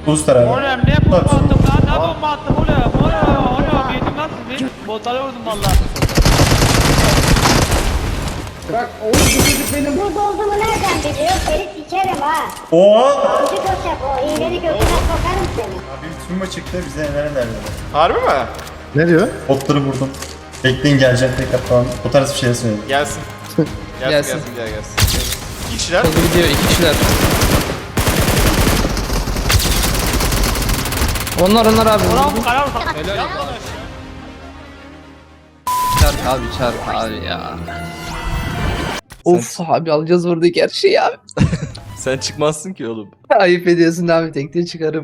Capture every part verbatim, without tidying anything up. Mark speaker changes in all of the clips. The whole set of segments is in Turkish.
Speaker 1: Uluslar abi.
Speaker 2: Oğlum ne bomba attım lan? Ne bomba attım oğlum? Oğlum oğlum yedim lan sizi. Botlara vurdum valla.
Speaker 3: Bak oğlum bu çocuk benim.
Speaker 4: Burada olduğumu nereden biliyor? Seni sikerim ha.
Speaker 1: Oha!
Speaker 4: Çocuk olacak o. İğneni götüne sokarım seni.
Speaker 1: Abi bir tümba çıktı bize neler neler.
Speaker 5: Harbi mi?
Speaker 6: Ne diyor?
Speaker 1: Botları vurdum. Bekleyin gelecek tekrar falan. O tarz bir şey söyledi.
Speaker 5: Gelsin. Gelsin
Speaker 7: Gelsin.
Speaker 5: gelsin gel gelsin. İki kişiler.
Speaker 7: Hızlı gidiyor iki kişiler. Onlar onlar abi.
Speaker 2: Ulan bu karar ufak.
Speaker 7: Çarp abi çarp abi ya. Of abi alacağız buradaki her şeyi abi.
Speaker 5: Sen çıkmazsın ki oğlum.
Speaker 7: Ayıp ediyorsun abi tekte çıkarım.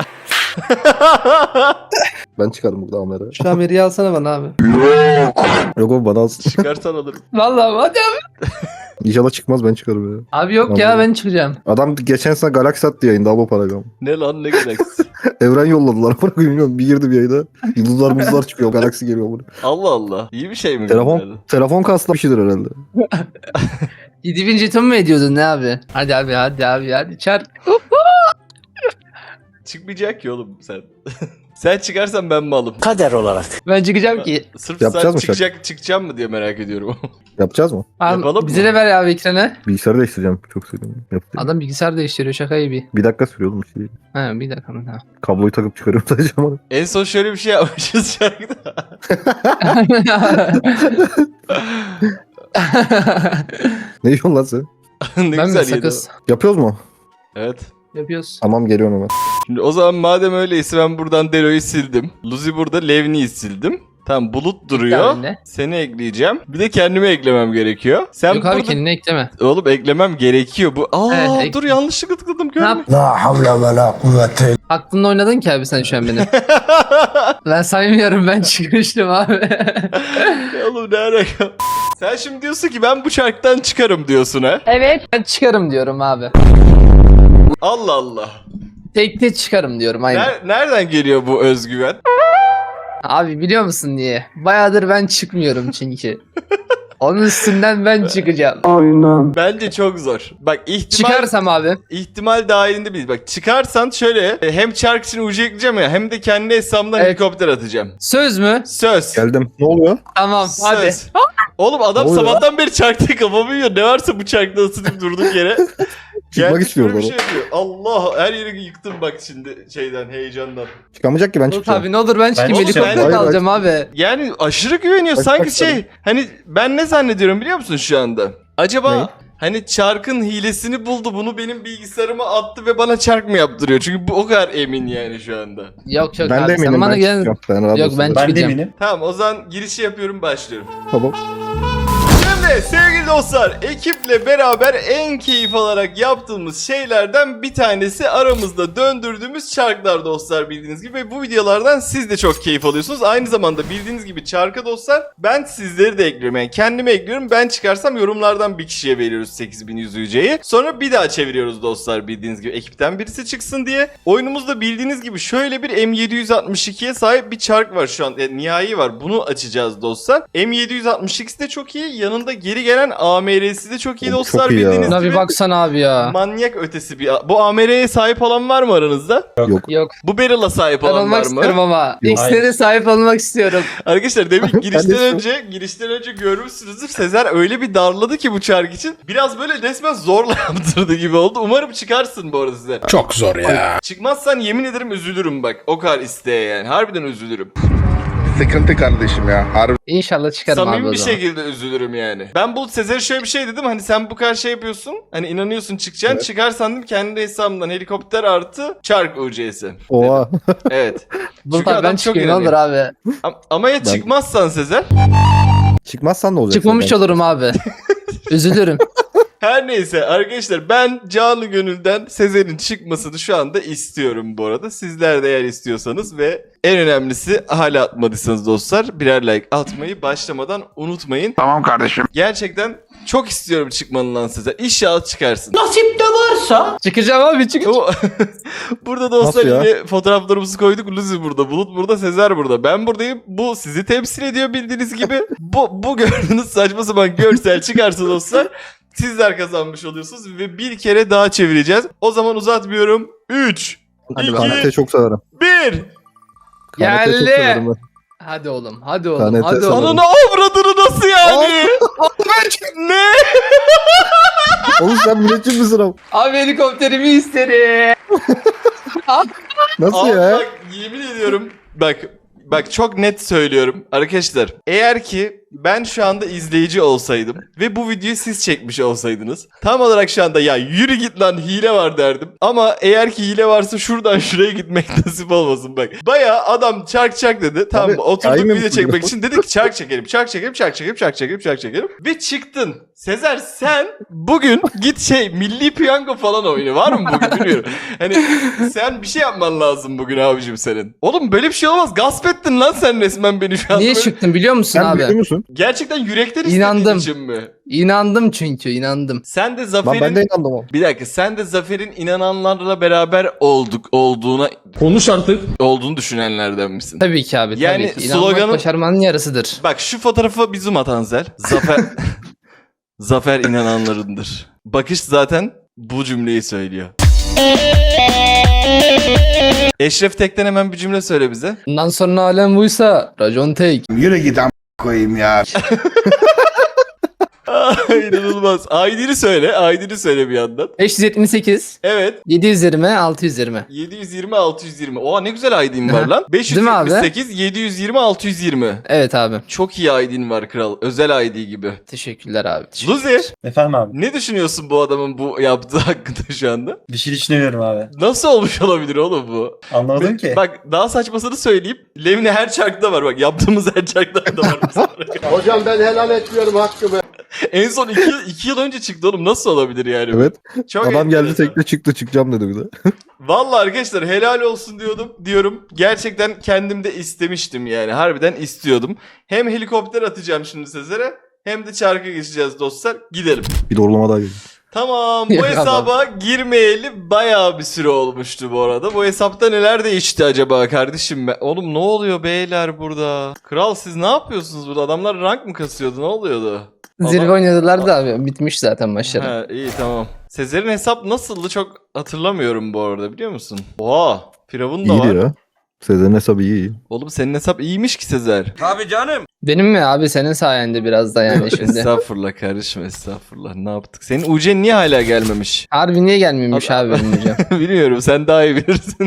Speaker 6: Ben çıkarım burada Amer'e.
Speaker 7: Şu Ameri'yi alsana bana abi.
Speaker 6: Yok oğlum bana alsın.
Speaker 5: Çıkarsan alırım.
Speaker 7: Vallahi hadi abi.
Speaker 6: İnşallah çıkmaz ben çıkarım ya.
Speaker 7: Abi yok ya ben çıkacağım.
Speaker 6: Adam geçen sene Galaxy attı yayında Abo Paragon.
Speaker 5: Ne lan ne galaksi?
Speaker 6: Evren yolladılar. Bana bilmiyorum bir girdim yayına. Yıldızlar muzlar çıkıyor. Galaxy geliyor buraya.
Speaker 5: Allah Allah. İyi bir şey mi?
Speaker 6: Telefon,
Speaker 5: gönderdi?
Speaker 6: telefon kaslı bir şeydir herhalde.
Speaker 7: yedi bin jeton mu ediyordun ne abi? Hadi abi hadi abi hadi çarp.
Speaker 5: Çıkmayacak ki oğlum sen. Sen çıkarsan ben mi alım?
Speaker 7: Ben çıkacağım ki.
Speaker 5: Sırf
Speaker 6: Yapacağız
Speaker 5: sen
Speaker 6: mı
Speaker 5: çıkacak, çıkacağım mı diye merak ediyorum.
Speaker 6: Yapacağız mı?
Speaker 7: Abi,
Speaker 5: Yapalım
Speaker 7: bize
Speaker 5: mı?
Speaker 7: de ver abi ekranı.
Speaker 6: Bilgisayarı değiştireceğim. Çok seviyorum. Yapayım.
Speaker 7: Adam bilgisayar değiştiriyor şaka gibi.
Speaker 6: Bir dakika sürüyor oğlum bir şey.
Speaker 7: Ha bir dakika mı?
Speaker 6: Kabloyu takıp çıkarıyorum sadece ama.
Speaker 5: En son şöyle bir şey yapmışız şarkıda.
Speaker 6: Ne diyorsun lan sen?
Speaker 5: ne
Speaker 7: ben mi
Speaker 5: güzel yedi
Speaker 7: sakız?
Speaker 6: Yapıyoruz mu?
Speaker 5: o. Evet.
Speaker 7: Yapıyoruz.
Speaker 6: Tamam geliyorum hemen.
Speaker 5: Şimdi o zaman madem öyleyse ben buradan Delo'yu sildim. Luzi burada Levni'yi sildim. Tamam Bulut duruyor.
Speaker 7: Ekle
Speaker 5: Seni ekleyeceğim. Bir de kendimi eklemem gerekiyor. Sen
Speaker 7: Yok abi
Speaker 5: burada...
Speaker 7: kendini ekleme.
Speaker 5: Oğlum eklemem gerekiyor. Bu Aa
Speaker 7: Evet, ek-
Speaker 5: dur yanlışlıkla tıkladım
Speaker 7: Ne
Speaker 5: görme.
Speaker 7: yap? Aklınla oynadın ki abi sen şu an benim. Ben saymıyorum ben çıkmıştım abi.
Speaker 5: Oğlum ne alaka? Sen şimdi diyorsun ki ben bu çarktan çıkarım diyorsun ha.
Speaker 7: Ben çıkarım diyorum abi.
Speaker 5: Allah Allah.
Speaker 7: Tekte çıkarım diyorum aynen.
Speaker 5: Ner- nereden geliyor bu özgüven?
Speaker 7: Abi biliyor musun niye? Bayağıdır ben çıkmıyorum çünkü. Onun üstünden ben çıkacağım.
Speaker 5: Bence çok zor. Bak ihtimal
Speaker 7: Çıkarsam abi.
Speaker 5: ihtimal dahilinde değil. Bak çıkarsan şöyle e, hem çark için ucu ekleyeceğim ya hem de kendi hesabımdan
Speaker 7: Evet.
Speaker 5: helikopter atacağım.
Speaker 7: Söz mü?
Speaker 5: Söz.
Speaker 6: Geldim. Ne oluyor?
Speaker 7: Tamam
Speaker 5: Söz.
Speaker 7: hadi.
Speaker 5: Oğlum adam
Speaker 6: Ne oluyor?
Speaker 5: sabahtan beri çarkta kafamı yiyor. Ne varsa bu çarkta ısıtıp durduk yere.
Speaker 6: Çıkmak
Speaker 5: Gelmiş
Speaker 6: istiyor
Speaker 5: böyle bir
Speaker 6: bana.
Speaker 5: şey yapıyor. Allah her yeri yıktım bak şimdi şeyden heyecandan.
Speaker 6: Çıkamayacak ki ben
Speaker 7: Dur
Speaker 6: çıkacağım.
Speaker 7: abi ne olur ben çıkayım
Speaker 5: Ben-
Speaker 7: helikopter
Speaker 5: Hayır,
Speaker 7: alacağım abi.
Speaker 5: Yani aşırı güveniyor.
Speaker 6: Bak,
Speaker 5: Sanki
Speaker 6: bak
Speaker 5: şey
Speaker 6: tabii.
Speaker 5: hani ben ne zannediyorum biliyor musun şu anda? Acaba
Speaker 6: Ne?
Speaker 5: hani çarkın hilesini buldu bunu benim bilgisayarıma attı ve bana çark mı yaptırıyor? Çünkü bu o kadar emin yani şu anda.
Speaker 7: Yok yok
Speaker 6: Ben
Speaker 7: abi
Speaker 6: de eminim
Speaker 7: sen bana
Speaker 6: ben
Speaker 7: gel.
Speaker 6: çıkacağım. Ben rahat
Speaker 7: Yok,
Speaker 6: olsun.
Speaker 7: ben-
Speaker 1: Ben de
Speaker 7: Çıkacağım.
Speaker 1: eminim.
Speaker 5: Tamam o zaman girişi yapıyorum başlıyorum.
Speaker 6: Tamam.
Speaker 5: Şimdi sevgili dostlar ekiple beraber en keyif alarak yaptığımız şeylerden bir tanesi aramızda döndürdüğümüz çarklar dostlar bildiğiniz gibi. Ve bu videolardan siz de çok keyif alıyorsunuz. Aynı zamanda bildiğiniz gibi çarka dostlar ben sizleri de ekliyorum. Yani kendimi ekliyorum. Ben çıkarsam yorumlardan bir kişiye veriyoruz sekiz bin yüz yüceyi. Sonra bir daha çeviriyoruz dostlar bildiğiniz gibi ekipten birisi çıksın diye. Oyunumuzda bildiğiniz gibi şöyle bir M yedi yüz altmış ikiye sahip bir çark var şu an. Yani nihai var. Bunu açacağız dostlar. M yedi yüz altmış iki de çok iyi. Yanında geri gelen A M R'si de çok iyi
Speaker 6: Çok
Speaker 5: dostlar
Speaker 6: iyi ya.
Speaker 5: bildiğiniz
Speaker 7: Buna
Speaker 5: gibi.
Speaker 7: bir baksana abi ya.
Speaker 5: Manyak ötesi bir... Bu A M R'ye sahip olan var mı aranızda?
Speaker 7: Yok.
Speaker 5: Bu Barrel'a sahip
Speaker 7: Ben
Speaker 5: olan
Speaker 7: olmak
Speaker 5: var
Speaker 7: istiyorum
Speaker 5: mı?
Speaker 7: ama.
Speaker 6: Yok.
Speaker 7: İkisine de sahip olmak istiyorum.
Speaker 5: Arkadaşlar demin
Speaker 6: Ben de
Speaker 5: girişten
Speaker 6: istiyorum.
Speaker 5: önce girişten önce görmüşsünüzdür. Sezer öyle bir darladı ki bu çark için. Biraz böyle resmen zorla yaptırdı gibi oldu. Umarım çıkarsın bu arada size.
Speaker 8: Çok zor ya.
Speaker 5: Çıkmazsan yemin ederim üzülürüm bak. O kadar isteğe yani. Harbiden üzülürüm.
Speaker 8: Sıkıntı kardeşim ya. Harbi.
Speaker 7: İnşallah çıkarım abi
Speaker 5: Samimi
Speaker 7: o
Speaker 5: bir
Speaker 7: zaman.
Speaker 5: şekilde üzülürüm yani. Ben Bulut Sezer'e şöyle bir şey dedim. Hani sen bu kadar şey yapıyorsun. Hani inanıyorsun çıkacaksın.
Speaker 6: Evet.
Speaker 5: Çıkarsan dedim kendi hesabımdan helikopter artı çark U C'si.
Speaker 6: Oha.
Speaker 5: Evet.
Speaker 7: Dur
Speaker 5: Çünkü
Speaker 7: tabii
Speaker 5: adam
Speaker 7: ben
Speaker 5: çok
Speaker 7: çıkayım ne olur
Speaker 5: inanıyor.
Speaker 7: abi.
Speaker 5: Am- Ama ya
Speaker 6: Ben-
Speaker 5: çıkmazsan Sezer?
Speaker 6: Çıkmazsan ne olacak?
Speaker 7: Çıkmamış
Speaker 6: zaten?
Speaker 7: olurum abi. Üzülürüm.
Speaker 5: Her neyse arkadaşlar ben canı gönülden Sezer'in çıkmasını şu anda istiyorum bu arada. Sizler de eğer istiyorsanız ve en önemlisi hala atmadıysanız dostlar birer like atmayı başlamadan unutmayın.
Speaker 8: Tamam kardeşim.
Speaker 5: Gerçekten çok istiyorum çıkmanı lan Sezer. İnşallah çıkarsın.
Speaker 7: Çıkacağım abi çıkacağım.
Speaker 5: O- burada dostlar
Speaker 6: Nasıl ya?
Speaker 5: yine fotoğraflarımızı koyduk. Luzi burada, Bulut burada, Sezer burada. Ben buradayım. Bu sizi temsil ediyor bildiğiniz gibi. Bu, bu gördüğünüz saçma sapan görsel çıkarsa dostlar sizler kazanmış oluyorsunuz ve bir kere daha çevireceğiz. O zaman uzatmıyorum. üç,
Speaker 7: Hadi
Speaker 5: İki.
Speaker 7: bakalım.
Speaker 6: K N T çok severim.
Speaker 5: bir.
Speaker 6: K N T çok
Speaker 7: Geldi.
Speaker 6: severim ben.
Speaker 7: Hadi oğlum, hadi
Speaker 6: K N
Speaker 7: oğlum,
Speaker 6: T
Speaker 7: hadi
Speaker 6: sanırım.
Speaker 7: oğlum.
Speaker 5: Ananı avradını nasıl yani? Ne?
Speaker 6: Oğlum sen müneccim misin abi?
Speaker 7: Abi helikopterimi isterim.
Speaker 6: Nasıl
Speaker 5: Abi
Speaker 6: ya?
Speaker 5: bak yemin ediyorum bak bak çok net söylüyorum arkadaşlar. Eğer ki ben şu anda izleyici olsaydım ve bu videoyu siz çekmiş olsaydınız tam olarak şu anda ya yürü git lan hile var derdim. Ama eğer ki hile varsa şuradan şuraya gitmek nasip olmasın bak. Baya adam çark çark dedi. Tamam
Speaker 6: Abi,
Speaker 5: oturduk
Speaker 6: aynen
Speaker 5: video
Speaker 6: bu
Speaker 5: çekmek
Speaker 6: ya.
Speaker 5: için dedik ki çark çekelim çark çekelim çark çekelim çark çekelim çark çekelim ve çıktın. Sezer sen bugün git şey milli piyango falan oyunu var mı bugün bilmiyorum. Hani sen bir şey yapman lazım bugün abicim senin. Oğlum böyle bir şey olmaz. Gasp ettin lan sen resmen beni şu anda.
Speaker 7: Niye
Speaker 5: Böyle-
Speaker 7: çıktın biliyor musun
Speaker 6: Sen
Speaker 7: abi?
Speaker 6: biliyor musun?
Speaker 5: Gerçekten yürekten istediğin
Speaker 7: İnandım.
Speaker 5: için mi?
Speaker 7: İnandım çünkü, inandım.
Speaker 5: Sen de
Speaker 6: Ben,
Speaker 5: Zafer'in...
Speaker 6: ben de inandım ama.
Speaker 5: Bir dakika sen de Zafer'in inananlarla beraber olduk olduğuna
Speaker 2: Konuş artık.
Speaker 5: olduğunu düşünenlerden misin?
Speaker 7: Tabii ki abi,
Speaker 5: Yani
Speaker 7: tabii ki. İnanmak
Speaker 5: sloganın-
Speaker 7: başarmanın yarısıdır.
Speaker 5: Bak şu fotoğrafa bir zoom at Anzel. Zafer Zafer inananlarındır. Bakış zaten bu cümleyi söylüyor. Eşref Tek'ten hemen bir cümle söyle bize.
Speaker 7: Bundan sonra alem buysa racon tek.
Speaker 8: Yürü git am koyayım ya.
Speaker 5: İnanılmaz. I D'ni söyle. I D'ni söyle bir yandan.
Speaker 7: beş yüz yetmiş sekiz,
Speaker 5: Evet.
Speaker 7: yedi yüz yirmi, altı yüz yirmi.
Speaker 5: yedi yüz yirmi altı yüz yirmi. Oha ne güzel I D'in var lan.
Speaker 7: Değil mi abi?
Speaker 5: beş yüz yetmiş sekiz yedi yüz yirmi altı yüz yirmi.
Speaker 7: Evet abi.
Speaker 5: Çok iyi I D'in var kral. Özel I D gibi.
Speaker 7: Teşekkürler abi. teşekkür-
Speaker 5: Luzi,
Speaker 1: Efendim abi.
Speaker 5: ne düşünüyorsun bu adamın bu yaptığı hakkında şu anda?
Speaker 1: Bir şey düşünüyorum abi.
Speaker 5: Nasıl olmuş olabilir oğlum bu?
Speaker 1: Anlamadım ki.
Speaker 5: Bak daha saçmasını söyleyeyim. Levni her çarkta var bak. Yaptığımız her çarkta da var.
Speaker 8: Hocam ben helal etmiyorum hakkımı.
Speaker 5: En son iki, yıl- iki yıl önce çıktı oğlum. Nasıl olabilir yani? bu?
Speaker 6: Evet.
Speaker 5: Çok
Speaker 6: Adam geldi
Speaker 5: enteresan.
Speaker 6: tekne çıktı çıkacağım dedi bir de.
Speaker 5: Vallahi arkadaşlar helal olsun diyordum diyorum. Gerçekten kendim de istemiştim yani. Harbiden istiyordum. Hem helikopter atacağım şimdi Sezer'e hem de çarka geçeceğiz dostlar. Gidelim.
Speaker 6: Bir doğrulama daha geldi.
Speaker 5: Tamam bu
Speaker 7: Yok
Speaker 5: hesaba girmeyeli bayağı bir süre olmuştu bu arada. Bu hesapta neler değişti acaba kardeşim? Ben... Oğlum ne oluyor beyler burada? Kral siz ne yapıyorsunuz burada? Adamlar rank mı kasıyordu? Ne oluyordu?
Speaker 7: Zirve
Speaker 5: Adam-
Speaker 7: oynadılar da abi. Bitmiş zaten maçları.
Speaker 5: Ha, iyi tamam. Sezer'in hesap nasıldı çok hatırlamıyorum bu arada biliyor musun? Oha Firavun da var.
Speaker 6: İyiydi ya. Sezer'in hesabı iyi iyi.
Speaker 5: Oğlum senin hesap iyiymiş ki Sezer.
Speaker 7: Benim mi abi, senin sayende biraz da yani şimdi.
Speaker 5: Estağfurullah kardeşim estağfurullah. Ne yaptık? Senin U C'nin niye hala gelmemiş?
Speaker 7: Harbi niye gelmemiş
Speaker 5: Abi-
Speaker 7: abi benim hocam?
Speaker 5: Bilmiyorum sen daha iyi bilirsin.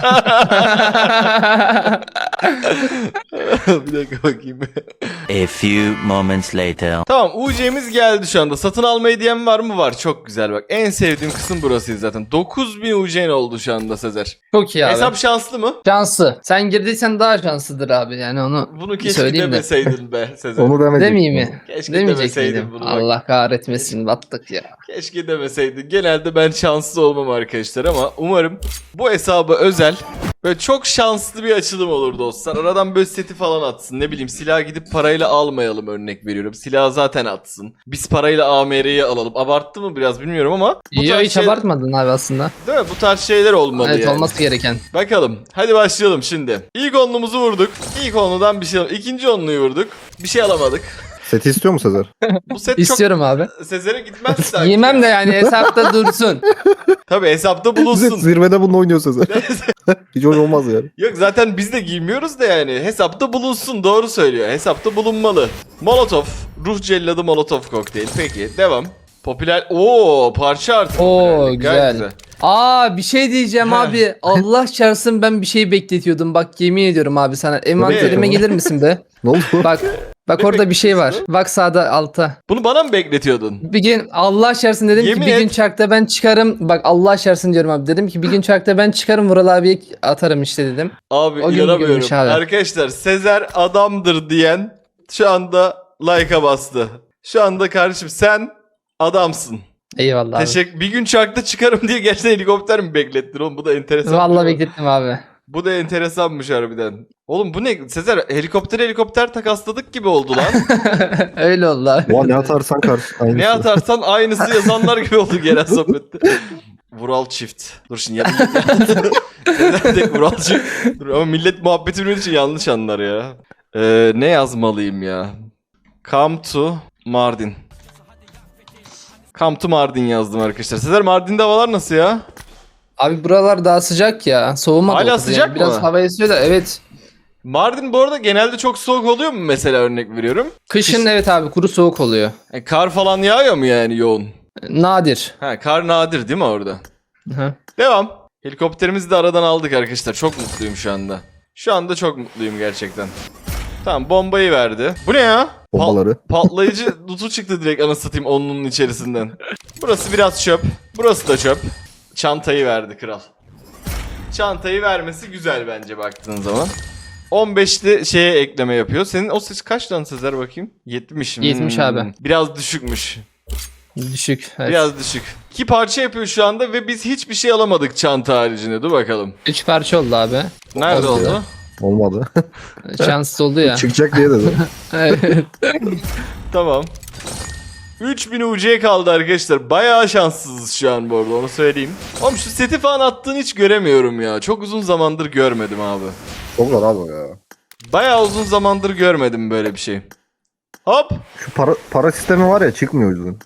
Speaker 5: Bir dakika bakayım.
Speaker 9: A few moments later.
Speaker 5: Tamam U C'miz geldi şu anda. Satın alma hediyem var mı? Var. Çok güzel bak. En sevdiğim kısım burasıydı zaten. dokuz bin U C'nin oldu şu anda Sezer.
Speaker 7: Çok iyi abi.
Speaker 5: Hesap şanslı mı?
Speaker 7: Şanslı. Sen girdiysen daha şanslıdır abi. Yani onu
Speaker 5: Bunu
Speaker 7: bir
Speaker 5: keşke
Speaker 7: söyleyeyim de.
Speaker 5: demeseydin be Sezer.
Speaker 6: Onu demedik.
Speaker 7: Demeyeyim mi?
Speaker 5: Keşke
Speaker 7: Demeyecek
Speaker 5: demeseydin
Speaker 7: miydim?
Speaker 5: bunu bak.
Speaker 7: Allah kahretmesin, battık ya.
Speaker 5: Keşke demeseydin. Genelde ben şanslı olmam arkadaşlar ama umarım bu hesaba özel böyle çok şanslı bir açılım olur dostlar. Aradan böyle seti falan atsın. Ne bileyim silah gidip parayla almayalım örnek veriyorum. Silah zaten atsın. Biz parayla A M R'yi alalım. Abarttı mı biraz bilmiyorum ama bu
Speaker 7: Yo,
Speaker 5: tarz
Speaker 7: hiç
Speaker 5: şey-
Speaker 7: abartmadın abi aslında.
Speaker 5: Değil mi? Bu tarz şeyler olmalı
Speaker 7: Evet,
Speaker 5: yani.
Speaker 7: olması gereken.
Speaker 5: Bakalım. Hadi başlayalım şimdi. İlk onluğumuzu vurduk. İlk onludan bir şey alamadık. İkinci onluyu vurduk. Bir şey alamadık.
Speaker 6: Seti istiyor mu Sezer?
Speaker 5: Bu set
Speaker 7: İstiyorum abi.
Speaker 5: çok Sezer'e gitmez sanki.
Speaker 7: Yemem de yani hesapta dursun.
Speaker 5: Tabii hesapta
Speaker 6: Zet
Speaker 5: bulunsun.
Speaker 6: zirvede bununla oynuyor Sezer. Hiç hoş olmaz yani.
Speaker 5: Yok zaten biz de giymiyoruz da yani. Hesapta bulunsun doğru söylüyor. Hesapta bulunmalı. Molotov. Ruh celladı Molotov kokteyl. Peki devam. Popüler. Oo parça artı.
Speaker 7: Oo
Speaker 5: popülerlik. Gayet
Speaker 7: güzel. Aa bir şey diyeceğim
Speaker 5: Ha.
Speaker 7: abi. Allah çarpsın, ben bir şey bekletiyordum. Bak yemin ediyorum abi sana. Envanterime
Speaker 6: Ne?
Speaker 7: gelir misin be?
Speaker 6: Ne oldu?
Speaker 7: Bak. Bak
Speaker 5: Ne
Speaker 7: orada bir şey var.
Speaker 5: bekliyorsun?
Speaker 7: Bak sağda alta.
Speaker 5: Bunu bana mı bekletiyordun?
Speaker 7: Bir gün Allah şartsın dedim
Speaker 5: Yemin
Speaker 7: ki bir gün
Speaker 5: et.
Speaker 7: çarkta ben çıkarım. Bak Allah şartsın diyorum abi. Dedim ki bir gün çarkta ben çıkarım, Vural abiye atarım işte dedim.
Speaker 5: Abi
Speaker 7: O gün
Speaker 5: inanamıyorum.
Speaker 7: görmüş abi.
Speaker 5: Arkadaşlar Sezer adamdır diyen şu anda like'a bastı. Şu anda kardeşim sen adamsın.
Speaker 7: Eyvallah abi.
Speaker 5: Teşekkür. Bir gün çarkta çıkarım diye gerçekten helikopter mi beklettin oğlum? Bu da enteresan.
Speaker 7: Vallahi
Speaker 5: değil mi?
Speaker 7: beklettim abi.
Speaker 5: Bu da enteresanmış harbiden. Oğlum bu ne? Sezer helikopter helikopter takasladık gibi oldu lan.
Speaker 7: Öyle oldu abi.
Speaker 6: Oha ne atarsan karşı. Aynısı.
Speaker 5: Ne atarsan aynısı yazanlar gibi oldu genel sohbette. Vural çift. Dur şimdi ya. Sezer tek Vural çift. Dur ama millet muhabbeti bildiği için yanlış anlar ya. Ee, ne yazmalıyım ya? Come to Mardin. Come to Mardin yazdım arkadaşlar. Sezer Mardin'de havalar nasıl ya?
Speaker 7: Abi buralar daha sıcak ya. Soğumadı.
Speaker 5: Hala
Speaker 7: o kadar
Speaker 5: sıcak
Speaker 7: yani. Biraz
Speaker 5: mı?
Speaker 7: hava esiyor da evet.
Speaker 5: Mardin bu arada genelde çok soğuk oluyor mu mesela, örnek veriyorum?
Speaker 7: Kışın evet abi kuru soğuk oluyor.
Speaker 5: E, kar falan yağıyor mu yani yoğun?
Speaker 7: Nadir.
Speaker 5: Ha, kar nadir değil mi orada?
Speaker 7: Hı.
Speaker 5: Devam. Helikopterimizi de aradan aldık arkadaşlar. Çok mutluyum şu anda. Şu anda çok mutluyum gerçekten. Tamam, bombayı verdi. Bu ne ya? Pa-
Speaker 6: Bombaları.
Speaker 5: patlayıcı dutu çıktı direkt anasını satayım onunun içerisinden. Burası biraz çöp. Burası da çöp. Çantayı verdi kral. Çantayı vermesi güzel bence baktığın zaman. on beşli şeye ekleme yapıyor. Senin o ses kaç lan Sezer bakayım? yetmiş.
Speaker 7: yetmiş
Speaker 5: Hmm.
Speaker 7: abi.
Speaker 5: Biraz düşükmüş.
Speaker 7: Düşük. Evet.
Speaker 5: Biraz düşük. İki parça yapıyor şu anda ve biz hiçbir şey alamadık çanta haricinde. Dur bakalım.
Speaker 7: Üç parça oldu abi.
Speaker 5: Nerede
Speaker 6: Oldu ya.
Speaker 5: oldu?
Speaker 6: Olmadı.
Speaker 7: Şanssız oldu ya.
Speaker 6: Çıkacak diye dedi.
Speaker 7: Evet.
Speaker 5: Tamam. üç bin U C kaldı arkadaşlar. Bayağı şanssızız şu an bu arada, onu söyleyeyim. Oğlum şu seti falan attığını hiç göremiyorum ya. Çok uzun zamandır görmedim abi.
Speaker 6: Çok zor abi ya.
Speaker 5: Bayağı uzun zamandır görmedim böyle bir şey. Hop.
Speaker 6: Şu para, para sistemi var ya çıkmıyor o yüzden.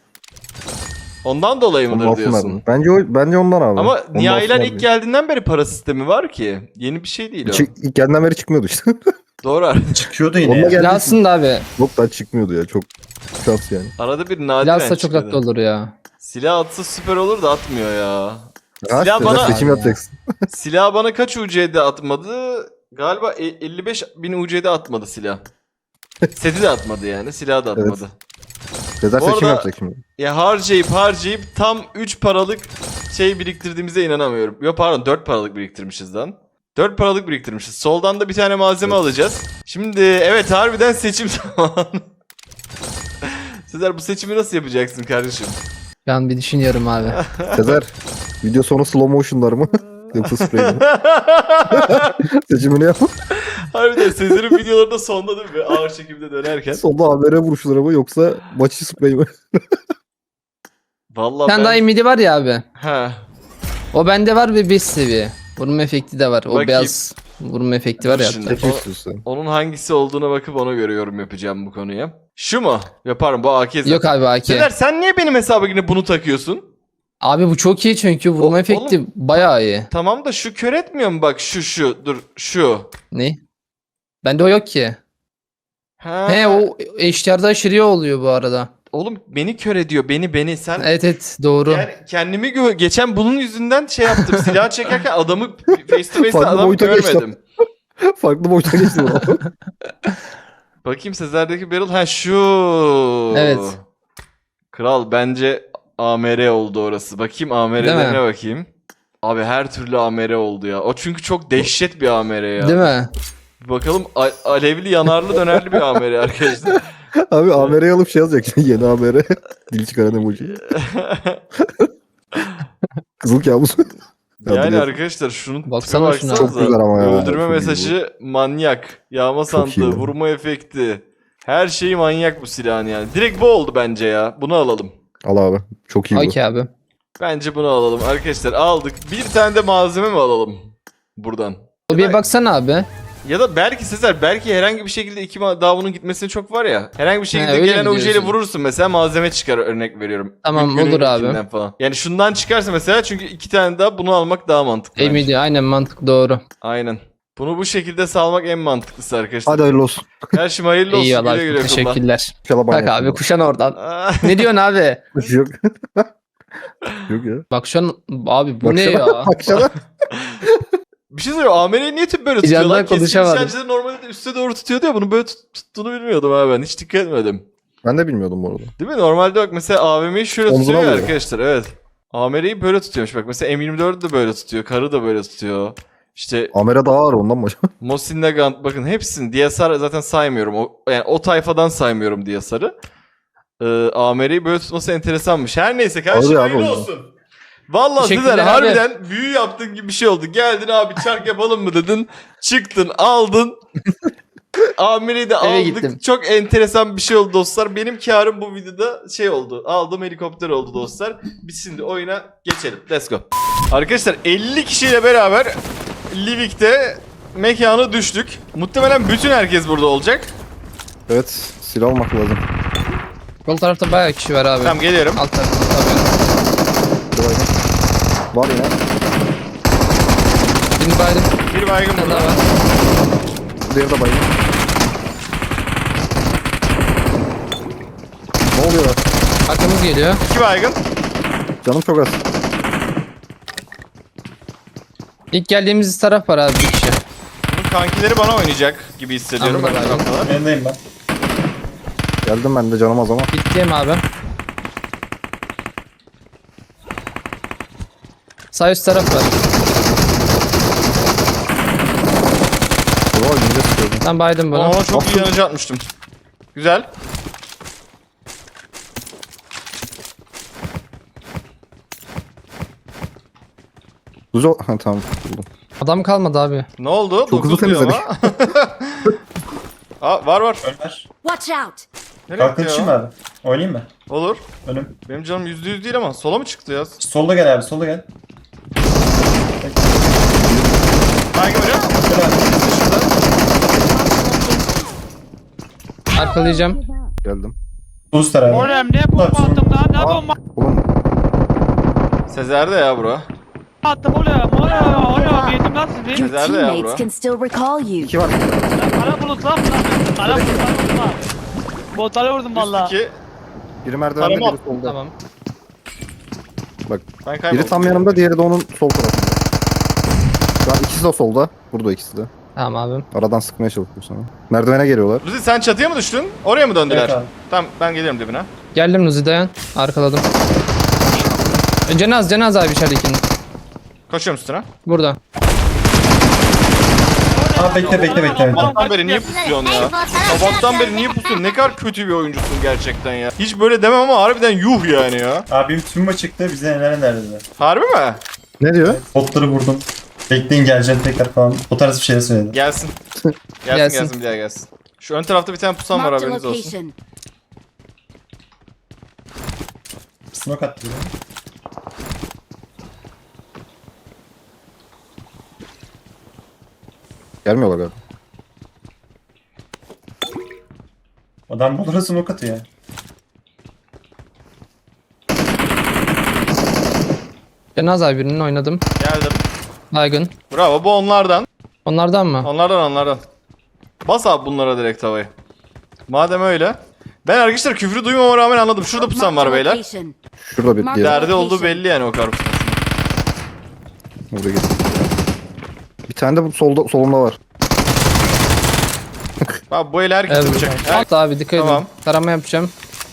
Speaker 5: Ondan dolayı
Speaker 6: Onu
Speaker 5: mıdır diyorsun?
Speaker 6: alsınlar. Bence o, bence ondan abi.
Speaker 5: Ama
Speaker 6: Onu
Speaker 5: Nihai'ler
Speaker 6: alsınlar
Speaker 5: ilk
Speaker 6: diye.
Speaker 5: geldiğinden beri para sistemi var ki. Yeni bir şey değil o.
Speaker 6: Çık, ilk geldiğinden beri çıkmıyordu işte.
Speaker 5: Doğru.
Speaker 1: Çıkıyordu yine
Speaker 6: Onunla
Speaker 1: ya.
Speaker 6: geldi.
Speaker 7: Aslında abi.
Speaker 6: Yok daha çıkmıyordu ya. Çok şans yani.
Speaker 5: Arada bir nadiren
Speaker 7: Bilhassa çok
Speaker 5: çıkıyordu.
Speaker 7: tatlı olur ya.
Speaker 5: Silah atsa süper olur da atmıyor ya.
Speaker 6: Ya
Speaker 5: Silah
Speaker 6: işte,
Speaker 5: bana-
Speaker 6: seçim yapacaksın.
Speaker 5: Silah bana kaç U C'de atmadı? Galiba e- elli beş bin U C'de atmadı silah. Seti de atmadı yani, silahı da atmadı.
Speaker 6: Sezer
Speaker 5: Bu
Speaker 6: seçim
Speaker 5: arada-
Speaker 6: yapacak şimdi.
Speaker 5: Ya harcayıp harcayıp tam üç paralık şey biriktirdiğimize inanamıyorum. Yok pardon, dört paralık biriktirmişiz lan. dört paralık biriktirmişiz. Soldan da bir tane malzeme alacağız. Şimdi evet, harbiden seçim zamanı. Sezer, bu seçimi nasıl yapacaksın kardeşim?
Speaker 7: Ben an bir düşünüyorum abi.
Speaker 6: Sezer video sonu slow motion'lar mı? Yoksa spray mi? Seçimini yap.
Speaker 5: Harbiden Sezer'in videolarında sonda değil mi? Ağır çekimde dönerken.
Speaker 6: Sonunda A V R vuruşları mı yoksa maçı spray mi?
Speaker 5: Vallahi
Speaker 7: Bir tane
Speaker 5: ben...
Speaker 7: daha imidi var ya abi.
Speaker 5: Ha.
Speaker 7: O bende var ve beş seviye. Vurma efekti de var. O
Speaker 5: Bakayım.
Speaker 7: beyaz vurma efekti var ya.
Speaker 5: Şimdi.
Speaker 7: hatta.
Speaker 6: Seçim istiyorsun.
Speaker 5: Onun hangisi olduğuna bakıp ona göre yorum yapacağım bu konuya. Şu mu? Yaparım, bu A K zaten.
Speaker 7: Yok abi A K.
Speaker 5: Sezer, sen niye benim hesaba yine bunu takıyorsun?
Speaker 7: Abi bu çok iyi çünkü vurma
Speaker 5: O-
Speaker 7: efekti bayağı iyi.
Speaker 5: Tamam da şu kör etmiyor mu, bak şu şu dur şu.
Speaker 7: Ne? Bende o yok ki.
Speaker 5: Ha.
Speaker 7: He o H D R'da aşırı oluyor bu arada.
Speaker 5: Oğlum beni kör ediyor, beni beni sen.
Speaker 7: Evet evet doğru.
Speaker 5: Yani kendimi gö- geçen bunun yüzünden şey yaptım. Silah çekerken adamı face to face'te
Speaker 6: Farklı
Speaker 5: adamı
Speaker 6: boyuta geçtim.
Speaker 5: görmedim.
Speaker 6: Farklı boyuta geçti bu.
Speaker 5: Bakayım Sezer'deki barrel, ha şu.
Speaker 7: Evet.
Speaker 5: Kral bence A M R oldu orası. Bakayım A M R'lerine bakayım. Abi her türlü A M R oldu ya. O çünkü çok dehşet bir A M R ya.
Speaker 7: Değil mi?
Speaker 5: Bir bakalım, a- alevli yanarlı dönerli bir A M R arkadaşlar.
Speaker 6: Abi A M R'yi alıp şey yazacak. Yeni A M R. Dil çıkaran emoji. Kızıl kabus.
Speaker 5: Yani
Speaker 6: Ya,
Speaker 5: arkadaşlar şunun
Speaker 7: Baksana
Speaker 5: tipe
Speaker 7: şuna.
Speaker 5: baksanıza.
Speaker 6: Çok güzel ama ya.
Speaker 5: Öldürme
Speaker 6: Çok iyi
Speaker 5: mesajı manyak. Yağma
Speaker 6: Çok iyi
Speaker 5: sandığı,
Speaker 6: bu.
Speaker 5: vurma efekti. Her şeyi manyak bu silahın yani. Direkt bu oldu bence ya. Bunu alalım.
Speaker 6: Al abi. Çok iyi bu.
Speaker 7: Okey abi.
Speaker 5: Bence bunu alalım arkadaşlar. Aldık. Bir tane de malzeme mi alalım buradan?
Speaker 7: O bir baksana abi.
Speaker 5: Ya da belki Sezer, belki herhangi bir şekilde iki ma- daha bunun gitmesine çok var ya. Herhangi bir şekilde
Speaker 7: öyle
Speaker 5: gelen
Speaker 7: mi
Speaker 5: O J ile
Speaker 7: diyorsun?
Speaker 5: vurursun mesela, malzeme çıkar, örnek veriyorum.
Speaker 7: Tamam,
Speaker 5: Günün
Speaker 7: olur abi.
Speaker 5: ilkinden Falan. Yani şundan çıkarsa mesela, çünkü iki tane daha bunu almak daha mantıklı. bence.
Speaker 7: Emidi aynen mantık doğru.
Speaker 5: Aynen. Bunu bu şekilde salmak en mantıklısı arkadaşlar.
Speaker 6: Hadi hayırlı olsun.
Speaker 5: Her şey hayırlı olsun.
Speaker 7: Eyvallah
Speaker 5: Güle güle kullan.
Speaker 7: teşekkürler.
Speaker 6: İnşallah
Speaker 7: Bak abi kuşan oradan. Ne diyorsun abi?
Speaker 6: Yok. Yok ya.
Speaker 7: Bak şu an abi bu ne
Speaker 6: Baksana,
Speaker 7: ya?
Speaker 6: Baksana.
Speaker 5: Bir şey söyleyeyim. A M R'yi niye tüp böyle
Speaker 7: Bir yandan
Speaker 5: tutuyorlar? Keskin
Speaker 7: konuşamadım.
Speaker 5: nişancıları normalde de üste doğru tutuyordu ya. Bunu böyle tut- tuttuğunu bilmiyordum abi ben. Hiç dikkat etmedim.
Speaker 6: Ben de bilmiyordum bu arada.
Speaker 5: Değil mi? Normalde bak mesela A V M'yi şöyle
Speaker 6: Omzuna
Speaker 5: tutuyor ya
Speaker 6: vuruyor.
Speaker 5: arkadaşlar. Evet. A M R'yi böyle tutuyormuş. Bak mesela M yirmi dördü de böyle tutuyor. Karı da böyle tutuyor. İşte
Speaker 6: Amere daha ağır ondan mı acaba?
Speaker 5: Mosin Nagant, bakın hepsini D S R zaten saymıyorum. O, yani o tayfadan saymıyorum D S R'ı. Ee, A M R'yi böyle tutması enteresanmış. Her neyse kardeşim,
Speaker 6: Abi, abi,
Speaker 5: hayırlı
Speaker 6: o-
Speaker 5: olsun. Vallahi
Speaker 7: Teşekkürler
Speaker 5: Sezer
Speaker 7: abi.
Speaker 5: harbiden büyü yaptığın gibi bir şey oldu. Geldin abi çark yapalım mı dedin. Çıktın aldın. A M R'yi de
Speaker 7: Eve
Speaker 5: aldık.
Speaker 7: gittim.
Speaker 5: Çok enteresan bir şey oldu dostlar. Benim karım bu videoda şey oldu. Aldığım helikopter oldu dostlar. Biz şimdi oyuna geçelim. Let's go. Arkadaşlar elli kişiyle beraber Livik'te mekana düştük. Muhtemelen bütün herkes burada olacak.
Speaker 6: Evet. Silah almak lazım.
Speaker 7: Sol tarafta bayağı kişi var abi.
Speaker 5: Tamam, geliyorum.
Speaker 7: Alt tarafta tabii.
Speaker 6: Var ya.
Speaker 7: Birini baydım.
Speaker 5: Bir baygın
Speaker 7: Bir tane
Speaker 5: burada.
Speaker 7: daha var.
Speaker 6: Diğeri de bayıldı. Ne oluyor?
Speaker 7: Arkamız geliyor.
Speaker 5: İki baygın.
Speaker 6: Canım çok az.
Speaker 7: İlk geldiğimiz taraf var abi bir kişi.
Speaker 5: Bunun kankileri bana oynayacak gibi hissediyorum.
Speaker 7: Anladım
Speaker 5: Ben
Speaker 7: abi.
Speaker 5: taraftalar.
Speaker 1: Yanındayım ben.
Speaker 6: Geldim ben de canım az ama.
Speaker 7: Bittiyim abi. Sağ üst taraf var.
Speaker 6: Bravo yine sıkıyordum.
Speaker 7: Ben baydım bunu.
Speaker 5: Ona çok iyi yanıcı atmıştım. Güzel.
Speaker 6: Uzo... Ha tamam buldum.
Speaker 7: Adam kalmadı abi.
Speaker 5: Ne oldu?
Speaker 6: Çok hızlı
Speaker 5: dokuz diyor
Speaker 6: temizledik.
Speaker 5: ama. Aa, var var.
Speaker 1: Ömer.
Speaker 10: Watch out!
Speaker 5: Nereye
Speaker 1: Kalkın
Speaker 5: gitti
Speaker 1: şimdi
Speaker 5: ya?
Speaker 1: abi. Oynayayım mı?
Speaker 5: Olur.
Speaker 1: Önüm.
Speaker 5: Benim canım yüzde yüz değil ama sola mı çıktı ya?
Speaker 1: Solda gel abi, solda gel.
Speaker 5: Baygın hocam.
Speaker 1: Gel abi.
Speaker 7: Arkalayacağım.
Speaker 6: Geldim.
Speaker 1: Buz tarağı.
Speaker 2: Oğlum ne bomba attım lan? Ne bomba
Speaker 6: Oğlum
Speaker 5: Sezer'de ya bro.
Speaker 2: attım oğlum? Oğlum oğlum yedim lan sizi.
Speaker 10: Your
Speaker 5: Nerede ya
Speaker 10: teammates
Speaker 5: bro?
Speaker 10: can still recall you.
Speaker 6: iki var.
Speaker 2: Kara bulut lan bunlar. Kara bulut lan bunlar. Botlara vurdum valla.
Speaker 5: İki.
Speaker 6: Biri merdivende
Speaker 5: Tarama.
Speaker 6: biri solda.
Speaker 7: Tamam.
Speaker 6: Bak
Speaker 5: Ben kayboldum.
Speaker 6: biri tam yanımda diğeri de onun sol tarafında. Şu an ikisi de solda. Burada ikisi de.
Speaker 7: Tamam abi.
Speaker 6: Aradan sıkmaya çalışıyor sana. Merdivene geliyorlar.
Speaker 5: Ruzi sen çatıya mı düştün? Oraya mı döndüler?
Speaker 1: Evet abi.
Speaker 5: Tamam ben geliyorum dibine.
Speaker 7: Geldim Nuzi dayan. Arkaladım. E, Cenaz Cenaz abi içeridekinin.
Speaker 5: Koşuyorum üstüne.
Speaker 7: Burada.
Speaker 1: Aa bekle bekle bekle. bekle.
Speaker 5: Sabahtan beri niye pusuyorsun ya? Sabahtan beri niye pusuyorsun? Ne kadar kötü bir oyuncusun gerçekten ya. Hiç böyle demem ama harbiden yuh yani ya.
Speaker 1: Abim tüm çıktı, bize neler neler dediler.
Speaker 5: Harbi mi?
Speaker 6: Ne diyor?
Speaker 1: Botları vurdum. Bekleyin geleceğim tekrar falan. O tarz bir şeyler söyledi.
Speaker 5: Gelsin. Gelsin gelsin,
Speaker 7: Gelsin.
Speaker 5: bir daha gelsin. Şu ön tarafta bir tane pusan var
Speaker 10: Marked a
Speaker 5: haberiniz olsun.
Speaker 10: location.
Speaker 1: Smoke attı biri.
Speaker 6: Gelmiyorlar galiba.
Speaker 1: Adam bulura smoke atıyor.
Speaker 7: Cenaz abi birinin oynadım.
Speaker 5: Geldim.
Speaker 7: Baygın.
Speaker 5: Bravo bu onlardan.
Speaker 7: Onlardan mı?
Speaker 5: Onlardan onlardan. Bas abi bunlara direkt havayı. Madem öyle. Ben arkadaşlar küfrü duymama rağmen anladım. Şurada pusan var
Speaker 10: Marked a
Speaker 5: beyler.
Speaker 10: location.
Speaker 6: Şurada bir
Speaker 10: Mark-
Speaker 6: diğeri.
Speaker 5: Derdi olduğu belli yani o kar pusan.
Speaker 6: Burada geliyor. Bir tane de bu solda, solumda var.
Speaker 5: Abi bu el herkes
Speaker 7: Evet.
Speaker 5: yapacak. Her-
Speaker 7: Alt abi dikkat
Speaker 5: Tamam.
Speaker 7: edin. Tarama yapacağım.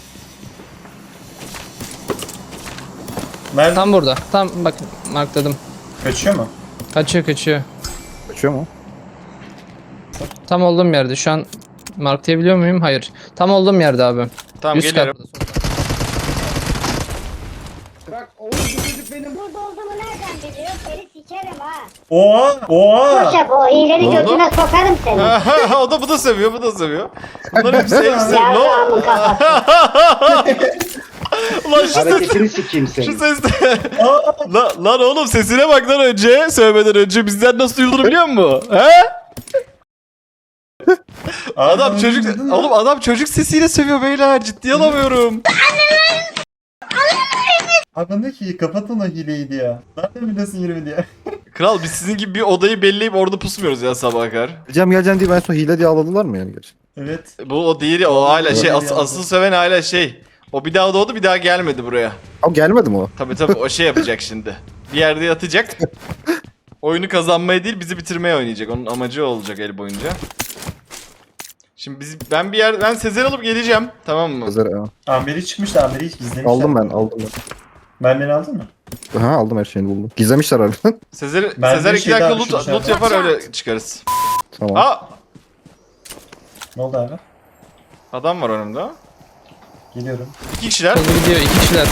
Speaker 1: Nerede?
Speaker 7: Tam burada. Tam bak markladım.
Speaker 1: Kaçıyor mu?
Speaker 7: Kaçıyor kaçıyor.
Speaker 6: Kaçıyor mu?
Speaker 7: Tam olduğum yerde. Şu an marklayabiliyor muyum? Hayır. Tam olduğum yerde abi.
Speaker 5: Tamam
Speaker 7: Üst
Speaker 5: geliyorum.
Speaker 7: katta.
Speaker 3: Bak oğlum bu çocuk benim.
Speaker 4: Burada olduğumu nereden biliyor? Seni sikerim ha.
Speaker 1: Oha! Oha!
Speaker 4: Boşa o iğreni
Speaker 5: oldu?
Speaker 4: götüne sokarım seni.
Speaker 5: o da bu da seviyor, bu da seviyor. Bunlar hep sev sev.
Speaker 4: Yavrağımın kafası.
Speaker 5: Ulan şu ses,
Speaker 3: Hareketini sikeyim
Speaker 5: şu
Speaker 3: seni.
Speaker 5: ses de. lan, lan oğlum sesine bak lan önce, söylemeden önce bizden nasıl duyulduğunu biliyor musun? He? Adam çocuk, oğlum adam çocuk sesiyle sövüyor beyler, ciddiye alamıyorum.
Speaker 1: Abi ne ki kapatın o hileyi diye. Nereden biliyorsun yirmi diye.
Speaker 5: Kral biz sizin gibi bir odayı belleyip orada pusmuyoruz ya sabaha kadar.
Speaker 6: Geleceğim geleceğim diye ben sonra hile diye ağladılar mı yani gerçekten?
Speaker 1: Evet.
Speaker 5: Bu o değil ya, o hala şey, as,
Speaker 1: Evet.
Speaker 5: asıl söven hala şey. O bir daha doğdu, bir daha gelmedi buraya.
Speaker 6: Abi gelmedi mi o?
Speaker 5: Tabii tabii o şey yapacak şimdi. Bir yerde yatacak. Oyunu kazanmaya değil bizi bitirmeye oynayacak. Onun amacı o olacak el boyunca. Şimdi biz ben bir yer ben Sezer alıp geleceğim. Tamam mı?
Speaker 6: Sezer, ha.
Speaker 1: Amberi çıkmış da Amberi hiç gizlemişler.
Speaker 6: Aldım ben aldım ben.
Speaker 1: Mermini aldın mı?
Speaker 6: Ha aldım her şeyini buldum. Gizlemişler harbiden.
Speaker 5: Sezer
Speaker 1: Ben
Speaker 5: Sezer
Speaker 1: bir
Speaker 5: iki
Speaker 1: şey
Speaker 5: dakika
Speaker 1: daha
Speaker 5: loot,
Speaker 1: düşünmüşler.
Speaker 5: loot yapar öyle çıkarız.
Speaker 6: Tamam.
Speaker 5: Aa!
Speaker 1: Ne oldu abi?
Speaker 5: Adam var önümde.
Speaker 1: Geliyorum.
Speaker 5: İki kişiler.
Speaker 7: Hızlı gidiyor. İki kişiler.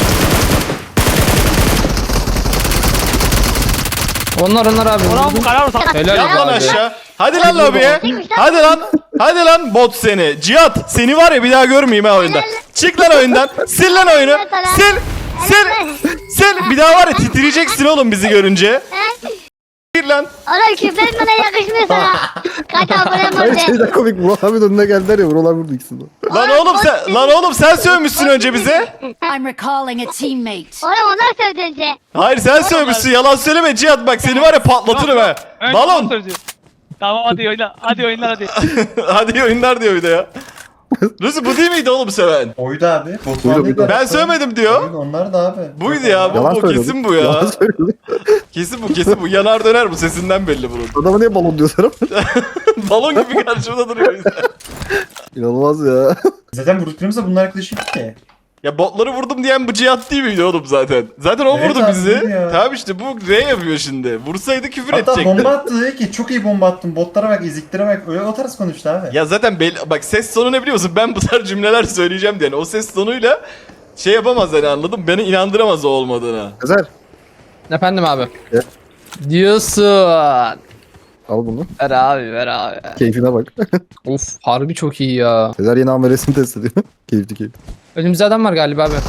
Speaker 7: Onlar onlar abi.
Speaker 2: Ulan bu kara bulut.
Speaker 7: Helal
Speaker 5: Yat lan
Speaker 7: abi.
Speaker 5: aşağı. Hadi lan lobiye. Hadi lan. Hadi lan bot seni. Cihat seni var ya bir daha görmeyeyim ha oyunda. Çık lan oyundan. Sil lan oyunu. Sil. Sil. Sil. Bir daha var ya titriyeceksin oğlum bizi görünce. Gir lan.
Speaker 4: Oğlum küfür etmeden yakışmıyor sana. Kaç abone
Speaker 6: Hayır
Speaker 4: var
Speaker 6: şeyden komik. Vural abi de önüne geldiler ya. Vural abi vurdu ikisini de.
Speaker 5: Lan oğlum sen lan oğlum sen sövmüşsün önce bize.
Speaker 10: I'm recalling a teammate.
Speaker 4: Oğlum onlar söyledi önce.
Speaker 5: Hayır sen sövmüşsün. Yalan söyleme Cihat, bak seni var ya patlatırım ha.
Speaker 2: Önce
Speaker 5: Balon.
Speaker 2: o söyledi. Tamam hadi oyna. Hadi oyunlar hadi.
Speaker 5: Hadi iyi oyunlar diyor bir de ya. Lucy bu değil miydi oğlum seven?
Speaker 1: Oydu abi.
Speaker 6: Buydu,
Speaker 1: Botman
Speaker 6: buydu.
Speaker 5: Ben sövmedim diyor.
Speaker 1: Oydu, onlar da abi.
Speaker 5: Buydu ya, bu,
Speaker 6: Yalan
Speaker 5: bu
Speaker 6: söylüyordu.
Speaker 5: kesin bu ya.
Speaker 6: Yalan söylüyordu.
Speaker 5: Kesin bu, kesin bu. Yanar döner bu, sesinden belli bunun.
Speaker 6: Adama niye balon diyorsun?
Speaker 5: Balon gibi karşımda duruyor insan.
Speaker 6: İnanılmaz ya.
Speaker 1: Zaten vurduklarımızda bunlar yaklaşık ki.
Speaker 5: Ya botları vurdum diyen bu Cihat değil miydi oğlum zaten? Zaten o
Speaker 1: Evet
Speaker 5: vurdu
Speaker 1: abi,
Speaker 5: bizi.
Speaker 1: ya.
Speaker 5: Tamam işte bu R yapıyor şimdi. Vursaydı küfür
Speaker 1: Hatta
Speaker 5: edecekti.
Speaker 1: bomba attı dedi ki çok iyi bomba attım. Botlara bak, eziklere bak. Öyle o tarz konuştu abi.
Speaker 5: Ya zaten belli, bak ses tonu ne biliyor musun? Ben bu tarz cümleler söyleyeceğim diye. Yani o ses tonuyla şey yapamaz hani, anladın mı? Beni inandıramaz o olmadığına.
Speaker 6: Sezer.
Speaker 7: Efendim abi.
Speaker 6: Evet.
Speaker 7: Diyorsun.
Speaker 6: Al bunu.
Speaker 7: Ver abi ver abi.
Speaker 6: Keyfine bak.
Speaker 7: Of harbi çok iyi ya.
Speaker 6: Sezer yeni amelesini test ediyor. Keyifli keyifli.
Speaker 7: Önümüzde adam var galiba abi.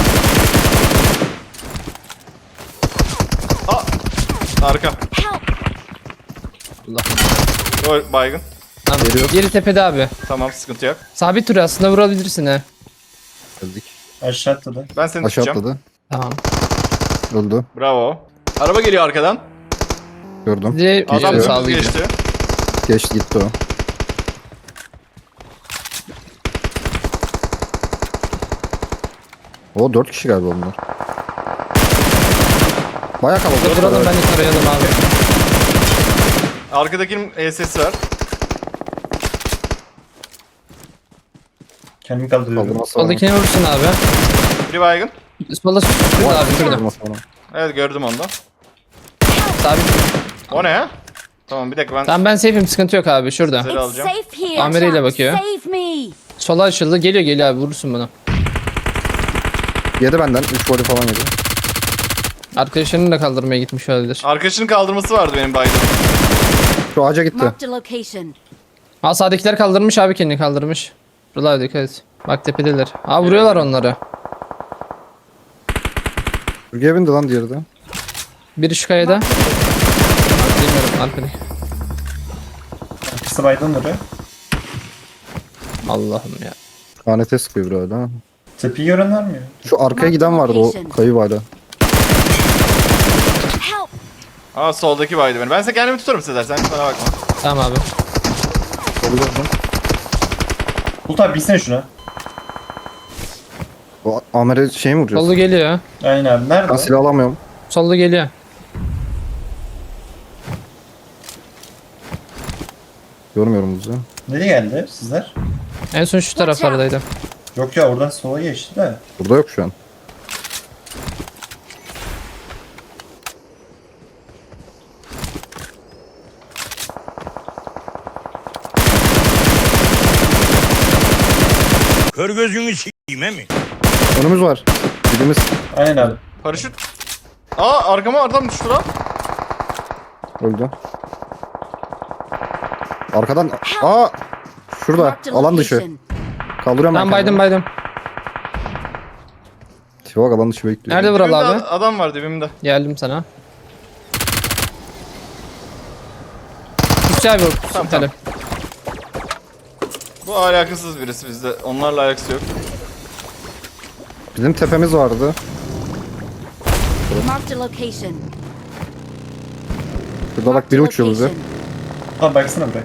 Speaker 5: Arka.
Speaker 7: Allah.
Speaker 5: O baygın.
Speaker 7: Tamam.
Speaker 6: Geliyor.
Speaker 7: Geri tepede abi.
Speaker 5: Tamam, sıkıntı yok.
Speaker 7: Sabit duruyor aslında, vurabilirsin ha.
Speaker 6: Geldik.
Speaker 1: Aşağı atladı.
Speaker 5: Ben seni
Speaker 6: Aşağı
Speaker 5: tutacağım.
Speaker 6: atladı.
Speaker 7: Tamam.
Speaker 6: Öldü.
Speaker 5: Bravo. Araba geliyor arkadan.
Speaker 6: Gördüm.
Speaker 7: Bir de
Speaker 5: Adam
Speaker 7: Adam
Speaker 5: dümdüz
Speaker 7: sağlı gidiyor.
Speaker 5: geçti.
Speaker 6: Geçti gitti o. O dört kişi galiba onlar. Bayağı kalabalık.
Speaker 7: Duralım ben de tarayalım abi.
Speaker 5: Arkadakinin E S'si var.
Speaker 1: Kendimi kaldırıyorum.
Speaker 6: Kaldırması var.
Speaker 7: Soldakini vursun abi.
Speaker 5: Biri baygın.
Speaker 7: Solda şurada abi şurada.
Speaker 6: Kaldırması var.
Speaker 5: Evet, gördüm onu da.
Speaker 7: Sabit.
Speaker 5: O ne ya? Tamam bir dakika, ben
Speaker 7: Tamam ben safe'im, sıkıntı yok abi şurada.
Speaker 5: Güzel
Speaker 10: It's
Speaker 5: alacağım.
Speaker 10: safe here.
Speaker 7: Amereyle bakıyor.
Speaker 10: Save me.
Speaker 7: Sola açıldı, geliyor geliyor abi, vurursun bunu.
Speaker 6: Yedi benden. üç voli falan yedi.
Speaker 7: Arkadaşlarını da kaldırmaya gitmiş olabilir.
Speaker 5: arkadaşının kaldırması vardı benim baygın.
Speaker 6: Şu ağaca gitti.
Speaker 10: Marked a location.
Speaker 7: Ha sağdakiler kaldırmış abi, kendini kaldırmış. Buralar dikkat et. Bak tepedeler. Ha vuruyorlar onları.
Speaker 6: Bürgeye bindi lan diğeri de.
Speaker 7: Biri şu kayada. Bilmiyorum arkadaki.
Speaker 1: Arkası baydan duruyor.
Speaker 7: Allah'ım ya.
Speaker 6: K N T sıkıyor bir hala.
Speaker 1: Tepeyi gören var mı ya?
Speaker 6: Şu arkaya giden vardı o kayıp hala.
Speaker 10: Help.
Speaker 5: Aa, soldaki baydı beni. Ben size kendimi tutarım Sezer, sen bana bakma.
Speaker 7: Tamam abi.
Speaker 6: Olacak lan.
Speaker 1: Bulut abi bilsene şuna.
Speaker 6: O amere şey mi vuruyorsun?
Speaker 7: Solda geliyor.
Speaker 1: Aynen abi. Nerede?
Speaker 6: Ben
Speaker 1: o?
Speaker 6: silah alamıyorum.
Speaker 7: Solda geliyor.
Speaker 6: Görmüyorum bizi.
Speaker 1: Nereye geldi sizler?
Speaker 7: En son şu taraflardaydı.
Speaker 1: Yok ya, oradan sola geçti de.
Speaker 6: Burada yok şu an.
Speaker 9: Kör gözünü s**eyim he mi?
Speaker 6: Önümüz var. Birimiz.
Speaker 1: Aynen abi.
Speaker 5: Paraşüt. Aa, arkama adam düştü lan.
Speaker 6: Öldü. Arkadan. Aa! Şurada.
Speaker 10: Marked a
Speaker 6: Alan dışı.
Speaker 10: location.
Speaker 6: Kaldırıyorum
Speaker 7: Ben baydım
Speaker 6: kendimi.
Speaker 7: baydım.
Speaker 6: Tipe bak, alan dışı bekliyor.
Speaker 7: Nerede Vural
Speaker 5: Dibimde
Speaker 7: abi?
Speaker 5: ad- adam var dibimde.
Speaker 7: Geldim sana. Üstü abi vur.
Speaker 5: Tamam,
Speaker 7: Tamam,
Speaker 5: Bu alakasız birisi bizde. Onlarla alakası yok.
Speaker 6: Bizim tepemiz vardı.
Speaker 10: Marked a location.
Speaker 6: Şurada bak biri uçuyor bize.
Speaker 1: Abi baksana buraya.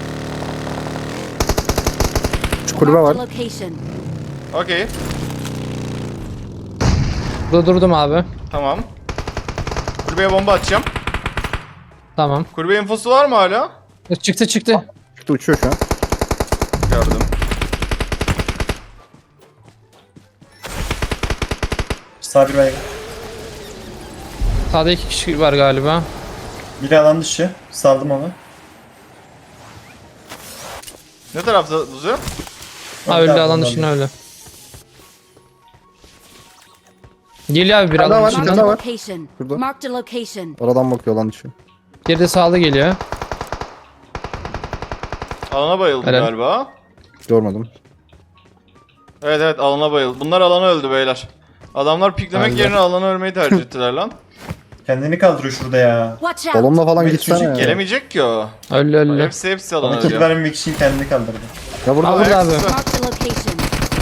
Speaker 6: Şu kulübe var.
Speaker 10: Location.
Speaker 5: Okey.
Speaker 7: Burada durdum abi.
Speaker 5: Tamam. Kulübeye bomba atacağım.
Speaker 7: Tamam.
Speaker 5: Kulübe infosu var mı hala?
Speaker 7: Çıktı çıktı.
Speaker 6: Çıktı uçuyor şu an.
Speaker 5: Gördüm.
Speaker 1: Sağ bir baygın.
Speaker 7: Sağda iki kişi var galiba.
Speaker 1: Biri alan dışı. Saldım onu.
Speaker 5: Ne tarafta Luzu?
Speaker 7: Ha öldü,
Speaker 1: Tamam,
Speaker 7: alan
Speaker 1: ondan
Speaker 7: dışına
Speaker 1: bir-
Speaker 7: öldü. Geliyor abi bir
Speaker 6: Hala
Speaker 7: alan
Speaker 6: var,
Speaker 7: dışından.
Speaker 6: hala var.
Speaker 10: Location.
Speaker 6: Şurada.
Speaker 10: Marked a location.
Speaker 6: Aradan bakıyor lan dışı.
Speaker 7: Geride sağlı geliyor.
Speaker 5: Alana bayıldı
Speaker 7: Helal.
Speaker 5: galiba.
Speaker 6: Görmedim.
Speaker 5: Evet evet, alana bayıldı. Bunlar alana öldü beyler. Adamlar piklemek
Speaker 7: Aynen.
Speaker 5: yerine alana ölmeyi tercih ettiler lan.
Speaker 1: Kendini kaldırıyor şurada ya.
Speaker 10: Watch out!
Speaker 6: Balonla falan
Speaker 1: Evet,
Speaker 6: gitsene
Speaker 1: çocuk
Speaker 6: ya.
Speaker 5: Gelemeyecek ki o.
Speaker 7: Öyle öyle.
Speaker 5: Hepsi hepsi alan
Speaker 1: Ama kill
Speaker 5: alıyor.
Speaker 1: vermemek için kendini kaldırdı.
Speaker 6: Ya burada
Speaker 7: Aa,
Speaker 6: burada.
Speaker 7: burada abi.
Speaker 10: Mark the location.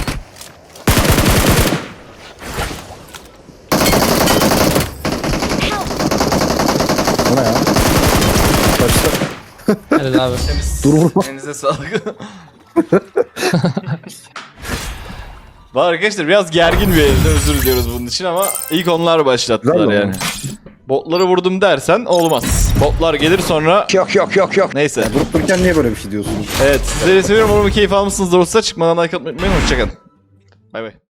Speaker 6: Bu ne ya? Kaçtı.
Speaker 7: Helal abi.
Speaker 5: Temiz.
Speaker 6: Dur vurma.
Speaker 5: Elinize sağlık. Var arkadaşlar biraz gergin bir elde, özür diliyoruz bunun için ama ilk onlar başlattılar
Speaker 6: Güzel
Speaker 5: yani.
Speaker 6: ama.
Speaker 5: Botları vurdum dersen olmaz. Botlar gelir sonra...
Speaker 8: Yok yok yok yok.
Speaker 5: Neyse.
Speaker 6: Durup dururken niye böyle bir şey diyorsunuz?
Speaker 5: Evet sizleri seviyorum. Umarım keyif almışsınızdır olsa. Çıkmadan like atmayı unutmayın. Hoşçakalın. Bay bay.